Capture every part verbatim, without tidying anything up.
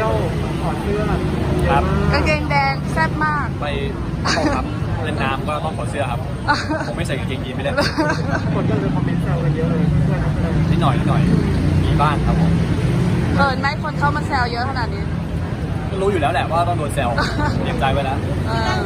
ที่ยวถอดเสื้อครับกางเกงแดงแซ่บมากไปต้องครับเล่นน้ำก็ต้องถอดเสื้อครับผมไม่ใส่กางเกงยีนไม่ได้คนก็เลยคอมเมนต์แซวกันเยอะเลยเพื่อนๆนักแสดงนิดหน่อยนิดหน่อยมีบ้างครับผมเกินไหมคนเข้ามาแซวเยอะขนาดนี้ก็รู้อยู่แล้วแหละว่าต้องโดนแซวเตรียมใจไว้แล้วเออ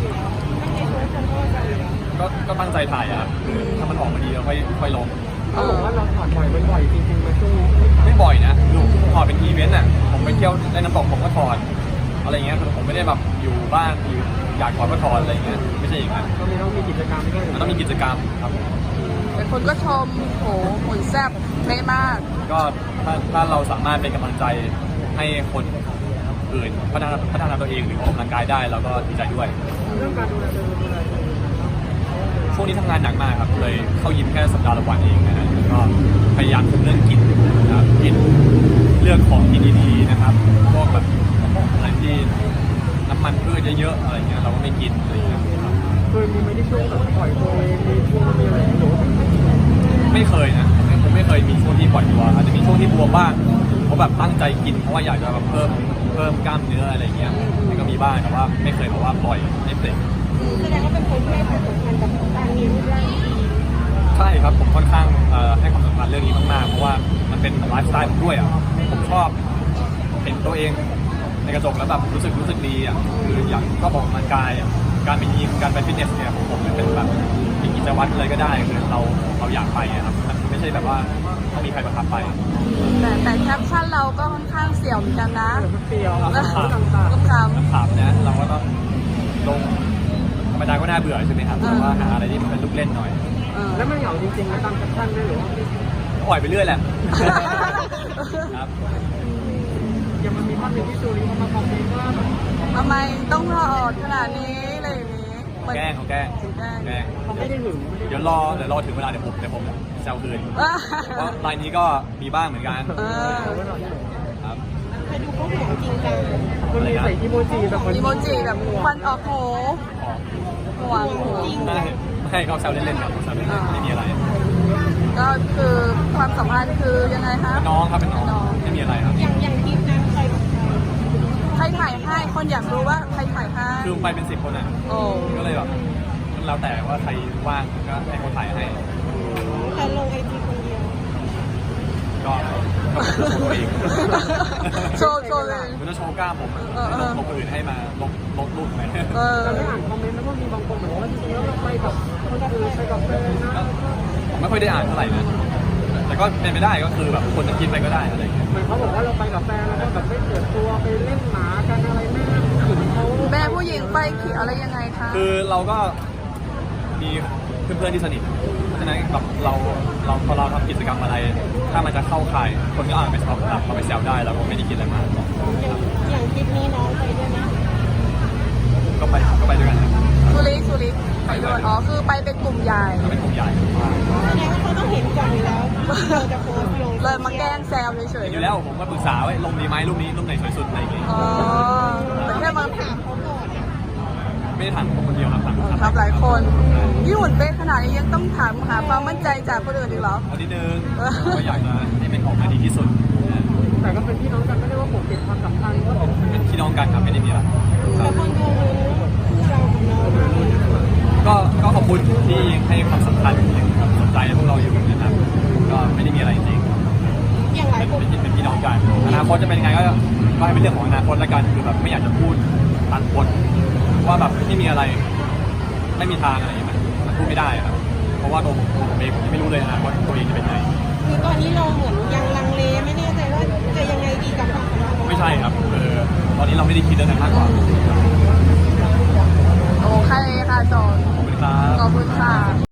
ก็ก็ตั้งใจถ่ายอะครับถ้ามันออกมาดีเราค่อยค่อยลงเขาบอกว่าเราถอดบ่อยบ่อยๆจริงๆมาช่วงนี้ไม่บ่อยนะดูถอดเป็นอีเวนต์อ่ะผมไปเที่ยวในน้ำตกผมก็ถอดอะไรเงี้ยผมไม่ได้แบบอยู่บ้านอยู่อยากถอดก็ถอดอะไรเงี้ยไม่ใช่อย่างนั้นก็มีต้องมีกิจกรรมด้วยมันต้องมีกิจกรรมครับผมแต่คนก็ชมโหหุ่นแซ่บเท่มากก็ถ้าถ้าเราสามารถเป็นกำลังใจให้คนอื่นพัฒนาพัฒนาตัวเองหรือออกกำลังกายได้เราก็ดีใจด้วยเรื่องการดูแลตัวเองดูแลตัวเองช่วงนี้ทำงานหนักมากครับเลยเข้ายิมแค่สัปดาห์ละวันเองนะฮะแล้วก็พยายามคุมเรื่องกินนะครับกินเรื่องของกินดีๆนะครับพวกแบบอะไรที่น้ำมันพืชเยอะๆอะไรเงี้ยเราก็ไม่กินอะไรเงี้ยครับเคยมีไหมที่ช่วงแบบปล่อยตัวเองมีช่วงมีอะไรหรือว่าไม่เคยนะผมไม่ผมไม่เคยมีช่วงที่ปล่อยตัวอาจจะมีช่วงที่บวมบ้างเพราะแบบตั้งใจกินเพราะว่าอยากจะแบบเพิ่มเพิ่มกล้ามเนื้ออะไรเงี้ยมันก็มีบ้างแต่ว่าไม่เคยแบบว่าปล่อยให้เสร็จแสดงว่าเป็นคนที่ให้ความสำคัญกับการมีรูปร่างที่ดีใช่ครับผมค่อนข้างเอ่อให้ความสำคัญเรื่องนี้มากๆเพราะว่ามันเป็นไลฟ์สไตล์ผมด้วยอ่ะผมชอบเห็นตัวเองในกระจกแล้วแบบรู้สึกรู้สึกดีอ่ะคืออยากก็ออกกำลังกายอ่ะการไปยิมการไปฟิตเนสเนี่ยผมผมเป็นแบบเป็นกิจวัตรเลยก็ได้คือเราเราอยากไปอะครับมันไม่ใช่แบบว่าต้องมีใครบังคับไปแต่แต่แคปชั่นเราก็ค่อนข้างเสี่ยวเหมือนกันนะเปรี้ยวคต่างรับๆต้มคถามนะเราก็ต้องลงธรรมดาก็น่าเบื่อใช่ไหมครับแต่ว่าหาอะไรที่มันเป็นลูกเล่นหน่อยำเออแล้วมันเหงาจริงๆนะตามแคปชั่นได้หรือว่าปล่อยไปเรื่อยแหละครับยังมันมีภาพหนึ่งที่จูริเขามาคอมเมนต์ว่าแบบทำไมต้องถอดขนาดนี้อะไรอย่างนี้เหมือนแกล้งเขาแกล้งแกล้งแกล้งเขาไม่ได้หึงไม่ได้เดี๋ยวรอเดี๋ยวรอถึงเวลาเดี๋ยวผมเดี๋ยวผมแซวคืนเพราะรายนี้ก็มีบ้างเหมือนกันเออครับแต่ดูเขาห่วงจริงจังมันมีใส่อีโมจิแบบอีโมจิแบบควันออกหูขอห่วงหูไม่ไม่เขาแซวเล่นๆครับแซวเล่นๆไม่มีอะไรก็คือความสัมพันธ์คือยังไงคะเป็นน้องครับเป็นน้องไม่มีอะไรครับอย่างอย่างคลิปนั้นใครกับใครใครถ่ายให้คนอยากรู้ว่าใครถ่ายให้คือไปเป็นสิบคนอ่ะโอ้ก็เลยแบบแล้วแต่ว่าใครว่างก็ให้เขาถ่ายให้แต่ลงไอจีคนเดียวก็ก็ผมจะโชว์ตัวเองโชว์โชว์เลยผมจะโชว์กล้ามผมเออเออลงคนอื่นให้มาลงลงรูปไปเออเราไม่อ่านคอมเมนต์แล้วก็มีบางคนเหมือนว่าจริงๆแล้วเราไปกับคนอื่นไปกับแฟนนะผมไม่ค่อยได้อ่านเท่าไหร่นะแต่ก็เป็นไปได้ก็คือแบบคนจะคิดไปก็ได้อะไรอย่างเงี้ยเหมือนเขาบอกว่าเราไปกับแฟนแล้วก็แบบไม่เปิดตัวไปเล่นหมากันอะไรแม่ผู้หญิงเขาแม่ผู้หญิงไปขี่อะไรยังไงคะคือเราก็มีเพื่อนๆที่สนิทเพราะฉะนั้นแบบเราเราพอเราทำกิจกรรมอะไร ถ้ามันจะเข้าข่ายคนก็อาจไปสอบถามเขาไปแซวได้เราก็ไม่ได้คิดอะไรมากอย่างอย่างคลิปนี้น้องไปด้วยไหมก็ไปก็ไปด้วยกันนะครับสุริสุริไปด้วยอ๋อคือไปเป็นกลุ่มใหญ่ก็เป็นกลุ่มใหญ่แสดงว่าเขาต้องเห็นก่อนอยู่แล้วที่เราจะโพสต์ลงเลยมาแกล้งแซวเฉยเห็นอยู่แล้วผมก็ปรึกษาว่าลงดีไหมรูปนี้รูปไหนสวยสุดอะไรอย่างเงี้ยๆอ๋อแต่แค่มาถามเขาก่อนไม่ได้ถามผมคนเดียวครับถามทำหลายคนที่หุ่นเป๊ะขนาดนี้ยังต้องถามหาความมั่นใจจากคนอื่นอีกเหรอเอานิดนึงก็อยากจะให้เป็นออกมาดีที่สุดนะแต่ก็เป็นพี่น้องกันไม่ได้ว่าปกปิดความสัมพันธ์ก็เป็นเป็นพี่น้องกันครับไม่ได้มีอะไรแต่คนดูรู้คู่เรากับน้องมากเลยนะก็ก็ขอบคุณที่ให้ความสำคัญยังสนใจพวกเราอยู่นะครับก็ไม่ได้มีอะไรจริงอย่างหลายเป็นคนเป็นเป็นพี่น้องกันอนาคตจะเป็นยังไงก็ก็ให้เป็นเรื่องของอนาคตแล้วกันคือแบบไม่อยากจะพูดตัดบทว่าแบบไม่มีอะไรไม่มีทางอะไรอย่างเงี้ยมันมันพูดไม่ได้ครับเพราะว่าตัวผมผมเองผมยังไม่รู้เลยอนาคตตัวเองจะเป็นยังไงคือตอนนี้เราเหมือนยังลังเลไม่แน่ใจว่าจะยังไงดีกับความสัมพันธ์ของเราไม่ใช่ครับเออตอนนี้เราไม่ได้คิดเรื่องนั้นมากกว่าโอเคค่ะจอนขอบคุณครับขอบคุณค่ะ